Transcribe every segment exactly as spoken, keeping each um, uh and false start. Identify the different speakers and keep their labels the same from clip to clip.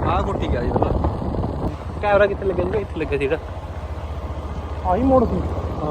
Speaker 1: ਆਹ ਕੋਠੀ ਗਿਆ ਜੀ ਪਹਿਲਾਂ ਕੈਮਰਾ ਕਿੱਥੇ ਲੱਗਿਆ ਜੀ? ਇੱਥੇ ਲੱਗਿਆ ਸੀਗਾ
Speaker 2: ਆਹੀ ਮੋੜ ਸੀ।
Speaker 1: ਹਾਂ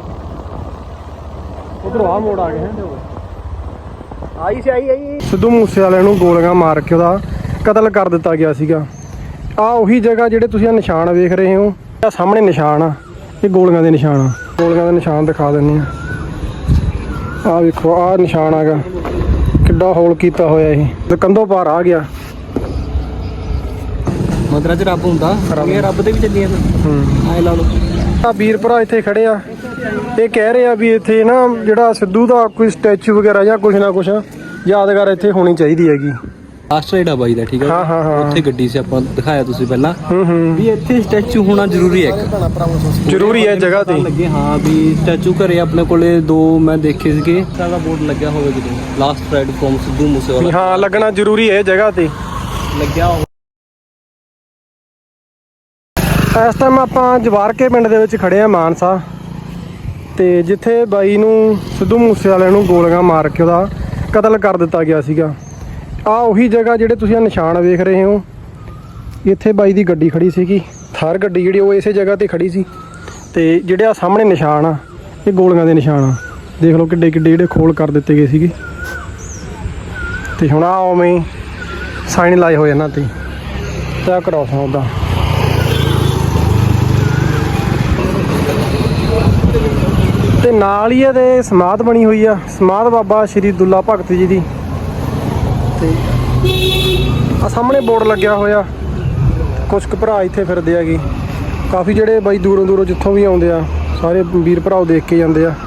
Speaker 2: ਉਧਰੋਂ ਆਹ ਮੋੜ ਆ ਗਿਆ
Speaker 1: ਆਈ ਸੀ ਆਈ ਆਈ
Speaker 2: ਸਿੱਧੂ ਮੂਸੇਵਾਲੇ ਨੂੰ ਗੋਲੀਆਂ ਮਾਰ ਕੇ ਉਹਦਾ ਕਤਲ ਕਰ ਦਿੱਤਾ ਗਿਆ ਸੀਗਾ। ਆ ਉਹੀ ਜਗ੍ਹਾ ਜਿਹੜੇ ਤੁਸੀਂ ਆ ਨਿਸ਼ਾਨ ਵੇਖ ਰਹੇ ਹੋ, ਆ ਸਾਹਮਣੇ ਨਿਸ਼ਾਨ ਆ, ਇਹ ਗੋਲੀਆਂ ਦੇ ਨਿਸ਼ਾਨ ਆ। ਗੋਲੀਆਂ ਦੇ ਨਿਸ਼ਾਨ ਦਿਖਾ ਦਿੰਦੇ ਆ। ਆ ਵੇਖੋ ਆ ਨਿਸ਼ਾਨ ਆਗਾ, ਕਿੱਡਾ ਹੋਲ ਕੀਤਾ ਹੋਇਆ ਇਹ ਤੇ ਕੰਧੋਂ ਪਾਰ ਆ ਗਿਆ।
Speaker 1: ਮੰਦਰਾਂ 'ਚ ਰੱਬ ਹੁੰਦਾ, ਇਹ ਰੱਬ ਦੇ ਵੀ ਚੱਲੀਆਂ
Speaker 2: ਹੂੰ
Speaker 1: ਐ ਲਾ ਲਓ।
Speaker 2: ਆ ਵੀਰ ਭਰਾ ਇੱਥੇ ਖੜੇ ਆ, ਇਹ ਕਹਿ ਰਹੇ ਆ ਵੀ ਇੱਥੇ ਨਾ ਜਿਹੜਾ ਸਿੱਧੂ ਦਾ ਕੋਈ ਸਟੈਚੂ ਵਗੈਰਾ ਜਾਂ ਕੁਛ ਨਾ ਕੁਛ ਯਾਦਗਾਰ ਇੱਥੇ ਹੋਣੀ ਚਾਹੀਦੀ ਹੈਗੀ।
Speaker 1: ਲਾਸਟ ਰਾਈਡ ਆ ਬਾਈ ਦਾ, ਠੀਕ ਹੈ।
Speaker 2: ਹਾਂ ਹਾਂ ਹਾਂ
Speaker 1: ਉੱਥੇ ਗੱਡੀ ਸੀ, ਆਪਾਂ ਦਿਖਾਇਆ ਤੁਸੀਂ ਪਹਿਲਾਂ
Speaker 2: ਹੂੰ ਹੂੰ
Speaker 1: ਵੀ ਇੱਥੇ ਸਟੈਚੂ ਹੋਣਾ ਜ਼ਰੂਰੀ ਹੈ, ਇੱਕ
Speaker 2: ਜ਼ਰੂਰੀ ਹੈ ਜਗ੍ਹਾ ਤੇ
Speaker 1: ਲੱਗੇ। ਹਾਂ ਵੀ ਸਟੈਚੂ ਘਰੇ ਆਪਣੇ ਕੋਲੇ ਦੋ ਮੈਂ ਦੇਖੇ ਸੀਗੇ, ਸਾਡਾ ਬੋਰਡ ਲੱਗਿਆ ਹੋਵੇ ਕਿਤੇ last ride from Sidhu Moosewala.
Speaker 2: ਹਾਂ ਲੱਗਣਾ ਜ਼ਰੂਰੀ ਹੈ ਜਗ੍ਹਾ ਤੇ
Speaker 1: ਲੱਗਿਆ ਹੋਵੇ।
Speaker 2: ਇਸ ਟਾਈਮ ਆਪਾਂ ਜਵਾਰਕੇ ਪਿੰਡ ਦੇ ਵਿੱਚ ਖੜੇ ਆ ਮਾਨਸਾ, ਤੇ ਜਿੱਥੇ ਬਾਈ ਨੂੰ ਸਿੱਧੂ ਮੂਸੇਵਾਲੇ ਨੂੰ ਗੋਲੀਆਂ ਮਾਰ ਕੇ ਉਹਦਾ ਕਤਲ ਕਰ ਦਿੱਤਾ ਗਿਆ ਸੀਗਾ। ਆ ਉਹੀ ਜਗ੍ਹਾ ਜਿਹੜੇ ਤੁਸੀਂ ਆ ਨਿਸ਼ਾਨ ਵੇਖ ਰਹੇ ਹੋ, ਇੱਥੇ ਬਾਈ ਦੀ ਗੱਡੀ ਖੜੀ ਸੀਗੀ, ਥਾਰ ਗੱਡੀ ਜਿਹੜੀ ਉਹ ਇਸੇ ਜਗ੍ਹਾ ਤੇ ਖੜੀ ਸੀ। ਤੇ ਜਿਹੜੇ ਆ ਸਾਹਮਣੇ ਨਿਸ਼ਾਨ ਆ, ਇਹ ਗੋਲੀਆਂ ਦੇ ਨਿਸ਼ਾਨ ਆ। ਦੇਖ ਲਓ ਕਿੱਡੇ ਕਿੱਡੇ ਜਿਹੜੇ ਖੋਲ ਕਰ ਦਿੱਤੇ ਗਏ ਸੀਗੇ। ਤੇ ਹੁਣ ਆ ਉਵੇਂ ਸਾਈਨ ਲਾਏ ਹੋਏ ਇਹਨਾਂ ਤੇ ਤਾਂ ਕਰਾਉ ਸਕਦਾ। ਤੇ ਨਾਲ ਹੀ ਇਹਦੇ ਸਮਾਧ ਬਣੀ ਹੋਈ ਆ, ਸਮਾਧ ਬਾਬਾ ਸ਼੍ਰੀ ਦੁੱਲਾ ਭਗਤ ਜੀ ਦੀ। ਤੇ ਆ ਸਾਹਮਣੇ ਬੋਰਡ ਲੱਗਿਆ ਹੋਇਆ, ਕੁਛ ਕੁ ਭਰਾ ਇੱਥੇ ਫਿਰਦੇ ਹੈਗੇ, ਕਾਫੀ ਜਿਹੜੇ ਬਾਈ ਦੂਰੋਂ ਦੂਰੋਂ ਜਿੱਥੋਂ ਵੀ ਆਉਂਦੇ ਆ, ਸਾਰੇ ਵੀਰ ਭਰਾਓ ਦੇਖ ਕੇ ਜਾਂਦੇ ਆ।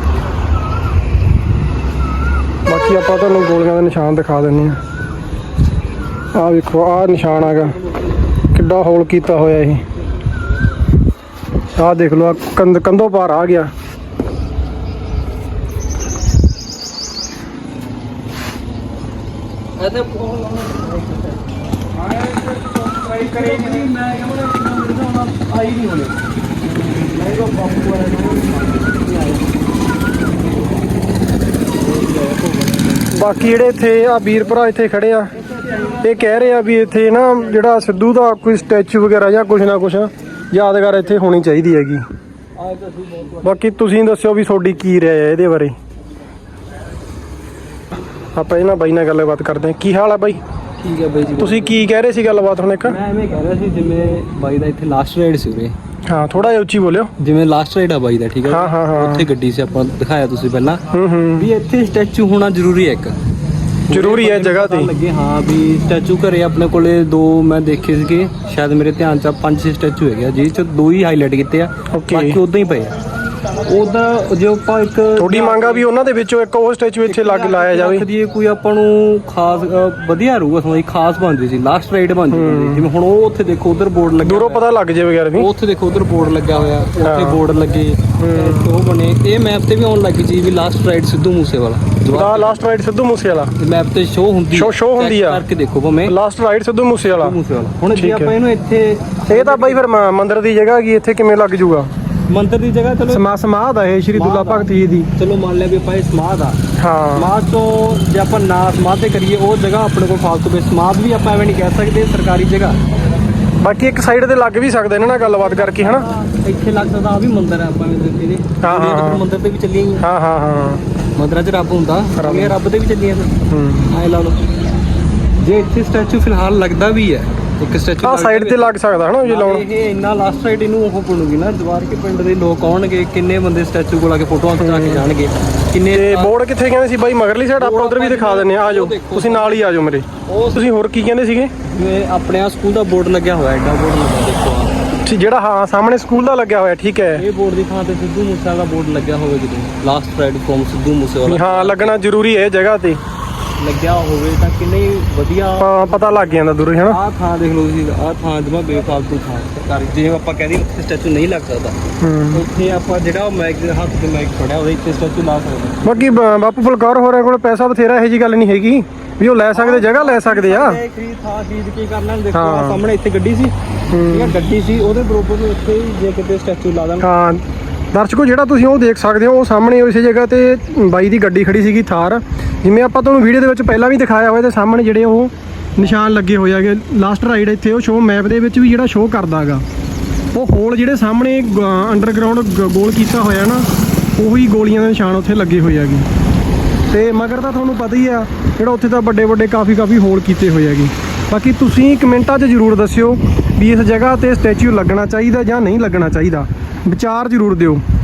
Speaker 2: ਬਾਕੀ ਆਪਾਂ ਤੁਹਾਨੂੰ ਗੋਲੀਆਂ ਦਾ ਨਿਸ਼ਾਨ ਦਿਖਾ ਦਿੰਦੇ ਆ। ਆਹ ਵੇਖੋ ਆਹ ਨਿਸ਼ਾਨ ਆਗਾ, ਕਿੱਡਾ ਹੋਲ ਕੀਤਾ ਹੋਇਆ ਇਹ। ਆਹ ਦੇਖ ਲਓ ਕੰਧ ਕੰਧੋਂ ਪਾਰ ਆ ਗਿਆ। ਬਾਕੀ ਜਿਹੜੇ ਇੱਥੇ ਆ ਵੀਰ ਭਰਾ ਇੱਥੇ ਖੜੇ ਆ, ਇਹ ਕਹਿ ਰਹੇ ਆ ਵੀ ਇੱਥੇ ਨਾ ਜਿਹੜਾ ਸਿੱਧੂ ਦਾ ਕੋਈ ਸਟੈਚੂ ਵਗੈਰਾ ਜਾਂ ਕੁਛ ਨਾ ਕੁਛ ਯਾਦਗਾਰ ਇੱਥੇ ਹੋਣੀ ਚਾਹੀਦੀ ਹੈਗੀ। ਬਾਕੀ ਤੁਸੀਂ ਦੱਸਿਓ ਵੀ ਤੁਹਾਡੀ ਕੀ ਰਾਏ ਹੈ ਇਹਦੇ ਬਾਰੇ। ਆਪਾਂ ਇਹਨਾਂ ਬਾਈ ਨਾਲ ਗੱਲਬਾਤ ਕਰਦੇ ਹਾਂ। ਕੀ ਹਾਲ ਆ ਬਾਈ?
Speaker 1: ਠੀਕ ਹੈ ਬਾਈ ਜੀ।
Speaker 2: ਤੁਸੀਂ ਕੀ ਕਹਿ ਰਹੇ ਸੀ ਗੱਲਬਾਤ ਹੁਣ? ਇੱਕ
Speaker 1: ਮੈਂ ਐਵੇਂ ਕਹਿ ਰਿਹਾ ਸੀ ਜਿਵੇਂ ਬਾਈ ਦਾ ਇੱਥੇ ਲਾਸਟ ਰਾਈਡ ਸੀ ਉਰੇ।
Speaker 2: ਹਾਂ ਥੋੜਾ ਜਿਹਾ ਉੱਚੀ ਬੋਲਿਓ।
Speaker 1: ਜਿਵੇਂ ਲਾਸਟ ਰਾਈਡ ਆ ਬਾਈ ਦਾ, ਠੀਕ ਹੈ।
Speaker 2: ਹਾਂ ਹਾਂ ਹਾਂ
Speaker 1: ਉੱਥੇ ਗੱਡੀ ਸੀ, ਆਪਾਂ ਦਿਖਾਇਆ ਤੁਸੀਂ ਪਹਿਲਾਂ
Speaker 2: ਹੂੰ ਹੂੰ
Speaker 1: ਵੀ ਇੱਥੇ ਸਟੈਚੂ ਹੋਣਾ ਜ਼ਰੂਰੀ ਹੈ, ਇੱਕ
Speaker 2: ਜ਼ਰੂਰੀ ਹੈ ਜਗ੍ਹਾ ਤੇ
Speaker 1: ਲੱਗੇ। ਹਾਂ ਵੀ ਸਟੈਚੂ ਘਰੇ ਆਪਣੇ ਕੋਲੇ ਦੋ ਮੈਂ ਦੇਖੇ ਸੀਗੇ, ਸ਼ਾਇਦ ਮੇਰੇ ਧਿਆਨ 'ਚ ਪੰਜ ਛੇ ਸਟੈਚੂ ਹੈਗੇ ਆ, ਜਿਹਦੇ 'ਚ ਦੋ ਹੀ ਹਾਈਲਾਈਟ ਕੀਤੇ ਆ, ਬਾਕੀ ਉਦਾਂ ਹੀ ਪਏ ਆ। ਉਹਦਾ ਜੇ ਆਪਾਂ ਇੱਕ
Speaker 2: ਤੁਹਾਡੀ ਮੰਗ ਆ ਵੀ ਉਹਨਾਂ ਦੇ ਵਿੱਚੋਂ ਇੱਕ ਉਹ ਸਟੈਚੂ ਇੱਥੇ ਲੱਗ ਲਾਇਆ ਜਾਵੇ।
Speaker 1: ਕੋਈ ਆਪਾਂ ਨੂੰ ਖਾਸ ਵਧੀਆ ਰਹੂਗਾ, ਸਮਝ ਖਾਸ ਬਣਦੀ ਸੀ, ਲਾਸਟ ਰਾਈਡ ਬਣਦੀ ਸੀ। ਜਿਵੇਂ ਹੁਣ ਉਹ ਉੱਥੇ ਦੇਖੋ ਉਧਰ ਬੋਰਡ ਲੱਗਾ,
Speaker 2: ਦੂਰੋਂ ਪਤਾ ਲੱਗ ਜੇ ਵਗੈਰਾ ਵੀ।
Speaker 1: ਉੱਥੇ ਦੇਖੋ ਉਧਰ ਬੋਰਡ ਲੱਗਾ ਹੋਇਆ, ਉੱਥੇ ਬੋਰਡ ਲੱਗੇ, ਉਹ ਬਣੇ। ਇਹ ਮੈਪ ਤੇ ਵੀ ਆਉਣ ਲੱਗੀ ਚੀਜ਼ ਵੀ ਲਾਸਟ ਰਾਈਡ ਸਿੱਧੂ ਮੂਸੇਵਾਲਾ।
Speaker 2: ਦਾ last ride Sidhu Moosewala
Speaker 1: map ਤੇ ਸ਼ੋ ਹੁੰਦੀ,
Speaker 2: ਸ਼ੋ ਸ਼ੋ ਹੁੰਦੀ ਆ,
Speaker 1: ਕਰਕੇ ਦੇਖੋ ਭਾਵੇਂ
Speaker 2: ਲਾਸਟ ਰਾਈਡ ਸਿੱਧੂ ਮੂਸੇਵਾਲਾ।
Speaker 1: ਹੁਣ ਜੇ ਆਪਾਂ ਇਹਨੂੰ ਇੱਥੇ,
Speaker 2: ਇਹ ਤਾਂ ਬਾਈ ਫਿਰ ਮੰਦਿਰ ਦੀ ਜਗ੍ਹਾ ਹੈਗੀ, ਇੱਥੇ ਕਿਵੇਂ ਲੱਗ ਜੂਗਾ?
Speaker 1: ਮੰਦਿਰ ਦੀ ਜਗ੍ਹਾ ਚਲੋ
Speaker 2: ਸਮਾ ਸਮਾਧ ਆ ਇਹ ਸ਼੍ਰੀ ਦੁੱਲਾ ਭਗਤ ਜੀ ਦੀ।
Speaker 1: ਚਲੋ ਮੰਨ ਲਿਆ ਵੀ ਆਪਾਂ ਇਹ ਸਮਾਧ ਆ,
Speaker 2: ਹਾਂ
Speaker 1: ਸਮਾਧ ਤੋਂ ਜੇ ਆਪਾਂ ਨਾ ਸਮਾਧ ਤੇ ਕਰੀਏ ਉਹ ਜਗ੍ਹਾ ਆਪਣੇ ਕੋਲ ਫਾਲਤੂ ਬੇ ਸਮਾਧ ਵੀ ਆਪਾਂ ਐਵੇਂ ਨਹੀਂ ਕਹਿ ਸਕਦੇ, ਸਰਕਾਰੀ ਜਗ੍ਹਾ।
Speaker 2: ਬਾਕੀ ਇੱਕ ਸਾਈਡ ਤੇ ਲੱਗ ਵੀ ਸਕਦੇ ਇਹਨਾਂ ਨਾਲ ਗੱਲਬਾਤ ਕਰਕੇ, ਹਨਾ।
Speaker 1: ਇੱਥੇ ਲੱਗ ਸਕਦਾ ਆ ਵੀ ਮੰਦਿਰ ਆ, ਆਪਾਂ ਇਹਦੇ
Speaker 2: ਹਾਂ ਹਾਂ
Speaker 1: ਮੰਦਿਰ ਤੇ ਵੀ ਚੱਲੀਆਂ ਹੀ।
Speaker 2: ਹਾਂ ਹਾਂ ਹਾਂ
Speaker 1: ਮੰਦਰਾਂ 'ਚ ਰੱਬ ਹੁੰਦਾ, ਇਹ ਰੱਬ ਦੇ ਵੀ ਚੱਲੀਆਂ
Speaker 2: ਹੂੰ
Speaker 1: ਐ ਲਾ ਲਓ। ਜੇ ਇੱਥੇ ਸਟੈਚੂ ਫਿਲਹਾਲ ਲੱਗਦਾ ਵੀ ਹੈ, ਇੱਕ ਸਟੈਚੂ
Speaker 2: ਆ ਸਾਈਡ ਤੇ ਲੱਗ ਸਕਦਾ ਹਨਾ ਜੇ ਲਾਉਣ।
Speaker 1: ਇਹ ਇੰਨਾ ਲਾਸਟ ਰਾਈਡ ਇਹਨੂੰ ਉਹ ਬਣੂਗੀ ਨਾ, ਜਵਾਰਕੇ ਪਿੰਡ ਦੇ ਲੋਕ ਆਉਣਗੇ, ਕਿੰਨੇ ਬੰਦੇ ਸਟੈਚੂ ਕੋਲ ਆ ਕੇ ਫੋਟੋਆਂ ਖਿਚਾ ਕੇ ਜਾਣਗੇ, ਕਿੰਨੇ।
Speaker 2: ਤੇ ਬੋਰਡ ਕਿੱਥੇ ਕਹਿੰਦੇ ਸੀ ਬਾਈ? ਮਗਰਲੀ ਸਾਈਡ ਆਪਾਂ ਉਧਰ ਵੀ ਦਿਖਾ ਦਿੰਨੇ ਆ, ਆਜੋ ਤੁਸੀਂ ਨਾਲ ਹੀ ਆਜੋ ਮੇਰੇ। ਤੁਸੀਂ ਹੋਰ ਕੀ ਕਹਿੰਦੇ ਸੀਗੇ?
Speaker 1: ਜਿਵੇਂ ਆਪਣੇ ਆ ਸਕੂਲ ਦਾ ਬੋਰਡ ਲੱਗਿਆ ਹੋਇਆ, ਐਡਾ ਬੋਰਡ ਲੱਗਾ ਦੇਖੋ ਆ,
Speaker 2: ਜਿਹੜਾ ਹਾਂ ਸਾਹਮਣੇ ਸਕੂਲ ਦਾ ਲੱਗਿਆ ਹੋਇਆ, ਠੀਕ ਹੈ।
Speaker 1: ਇਹ ਬੋਰਡ ਦੀ ਥਾਂ ਤੇ ਸਿੱਧੂ ਮੂਸੇਵਾਲਾ ਦਾ ਬੋਰਡ ਲੱਗਿਆ ਹੋਵੇ ਕਿਤੇ, last ride from Sidhu Moosewala.
Speaker 2: ਹਾਂ ਲੱਗਣਾ ਜ਼ਰੂਰੀ ਹੈ ਜਗ੍ਹਾ ਤੇ
Speaker 1: ਲੱਗਿਆ ਹੋਵੇ ਤਾਂ ਕਿੰਨੇ ਵਧੀਆ
Speaker 2: ਪਤਾ ਲੱਗ ਜਾਂਦਾ ਦੂਰੋਂ, ਹਨਾ।
Speaker 1: ਆਹ ਥਾਂ ਦੇਖ ਲਓ ਤੁਸੀਂ, ਆਹ ਥਾਂ ਜਮਾ ਬੇਫਾਲਤੂ ਥਾਂ ਸਰਕਾਰੀ। ਜਿਵੇਂ ਆਪਾਂ ਕਹਿੰਦੇ ਉੱਥੇ ਸਟੈਚੂ ਨਹੀਂ ਲੱਗ ਸਕਦਾ, ਉੱਥੇ ਆਪਾਂ ਜਿਹੜਾ ਮੈਕ ਦੇ ਹੱਥ ਤੇ ਮੈਕ ਫੜਿਆ ਉਹਦੇ ਇੱਥੇ ਸਟੈਚੂ ਲਾ ਸਕਦੇ।
Speaker 2: ਬਾਕੀ ਬਾਪੂ ਫੁਲਕੌਰ ਹੋਰਾਂ ਕੋਲ ਪੈਸਾ ਬਥੇਰਾ, ਇਹੋ ਜਿਹੀ ਗੱਲ ਨਹੀਂ ਹੈਗੀ ਵੀ ਉਹ ਲੈ ਸਕਦੇ, ਜਗ੍ਹਾ ਲੈ ਸਕਦੇ ਆ।
Speaker 1: ਖਰੀਦ ਥਾਂ ਖਰੀਦ ਕੇ ਕਰ ਲੈਣ। ਦੇਖੋ ਆਹ ਸਾਹਮਣੇ ਇੱਥੇ ਗੱਡੀ ਸੀ, ਠੀਕ ਹੈ, ਗੱਡੀ ਸੀ, ਉਹਦੇ ਬਰੋਬਰ ਉੱਥੇ ਹੀ ਜੇ ਕਿਤੇ ਸਟੈਚੂ ਲਾ ਦੇਣ।
Speaker 2: ਹਾਂ ਦਰਸ਼ਕੋ ਜਿਹੜਾ ਤੁਸੀਂ ਉਹ ਦੇਖ ਸਕਦੇ ਹੋ, ਉਹ ਸਾਹਮਣੇ ਉਸੇ ਜਗ੍ਹਾ ਤੇ ਬਾਈ ਦੀ ਗੱਡੀ ਖੜੀ ਸੀਗੀ, ਥਾਰ। ਜਿਵੇਂ ਆਪਾਂ ਤੁਹਾਨੂੰ ਵੀਡੀਓ ਦੇ ਵਿੱਚ ਪਹਿਲਾਂ ਵੀ ਦਿਖਾਇਆ ਹੋਇਆ, ਤੇ ਸਾਹਮਣੇ ਜਿਹੜੇ ਉਹ ਨਿਸ਼ਾਨ ਲੱਗੇ ਹੋਏ ਹੈਗੇ। ਲਾਸਟ ਰਾਈਡ ਇੱਥੇ ਉਹ ਸ਼ੋਅ ਮੈਪ ਦੇ ਵਿੱਚ ਵੀ ਜਿਹੜਾ ਸ਼ੋਅ ਕਰਦਾ ਹੈਗਾ, ਉਹ ਹੋਲ ਜਿਹੜੇ ਸਾਹਮਣੇ ਅੰਡਰਗਰਾਉਂਡ ਗੋਲ ਕੀਤਾ ਹੋਇਆ ਨਾ, ਉਹੀ ਗੋਲੀਆਂ ਦੇ ਨਿਸ਼ਾਨ ਉੱਥੇ ਲੱਗੇ ਹੋਏ ਹੈਗੇ। ਤੇ ਮਗਰ ਤਾਂ ਤੁਹਾਨੂੰ ਪਤਾ ਹੀ ਆ ਜਿਹੜਾ ਉੱਥੇ ਤਾਂ ਵੱਡੇ ਵੱਡੇ ਕਾਫੀ ਕਾਫੀ ਹੋਲ ਕੀਤੇ ਹੋਏ ਹੈਗੇ। ਬਾਕੀ ਤੁਸੀਂ ਕਮੈਂਟਾਂ 'ਚ ਜ਼ਰੂਰ ਦੱਸਿਓ ਵੀ ਇਸ ਜਗ੍ਹਾ ਤੇ ਸਟੈਚੂ ਲੱਗਣਾ ਚਾਹੀਦਾ ਜਾਂ ਨਹੀਂ ਲੱਗਣਾ ਚਾਹੀਦਾ, ਵਿਚਾਰ ਜ਼ਰੂਰ ਦਿਓ।